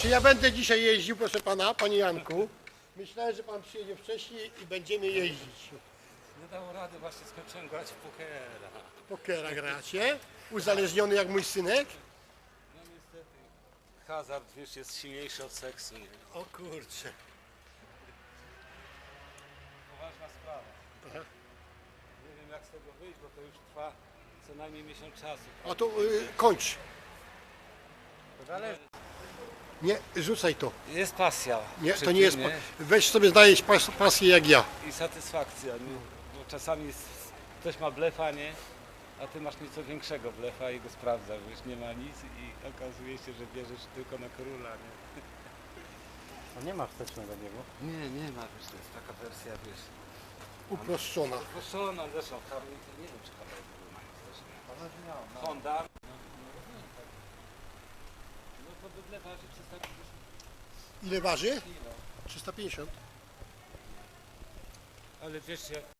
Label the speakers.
Speaker 1: Znaczy ja będę dzisiaj jeździł, proszę pana, panie Janku. Myślałem, że pan przyjedzie wcześniej i będziemy jeździć.
Speaker 2: Nie dało rady, właśnie skończyłem grać w pokera.
Speaker 1: Pokera gracie? Uzależniony jak mój synek?
Speaker 2: No niestety, hazard, wiesz, jest silniejszy od seksu, nie?
Speaker 1: O kurczę.
Speaker 2: Poważna sprawa.
Speaker 1: Aha.
Speaker 2: Nie wiem, jak z tego wyjść, bo to już trwa co najmniej miesiąc czasu.
Speaker 1: A to kończ.
Speaker 2: Ale
Speaker 1: Nie, rzucaj to.
Speaker 2: jest pasja.
Speaker 1: Nie,
Speaker 2: przy
Speaker 1: to nie
Speaker 2: tym,
Speaker 1: jest. Weź sobie znaleźć pasję jak ja.
Speaker 2: I satysfakcja, nie? Bo czasami ktoś ma blefa, nie? A ty masz nieco większego blefa i go sprawdzasz, wiesz, nie ma nic i okazuje się, że bierzesz tylko na króla, nie?
Speaker 3: A nie ma wstecznego biegu?
Speaker 2: Nie ma, wiesz, to jest taka wersja, wiesz,
Speaker 1: Uproszczona.
Speaker 2: proszona, zresztą Harley, to nie wiem, czy Harley mają wsteczne. Honda. No to bydle waży 350
Speaker 1: Ile waży?
Speaker 2: kilo.
Speaker 1: 350.
Speaker 2: Ale wiesz, jak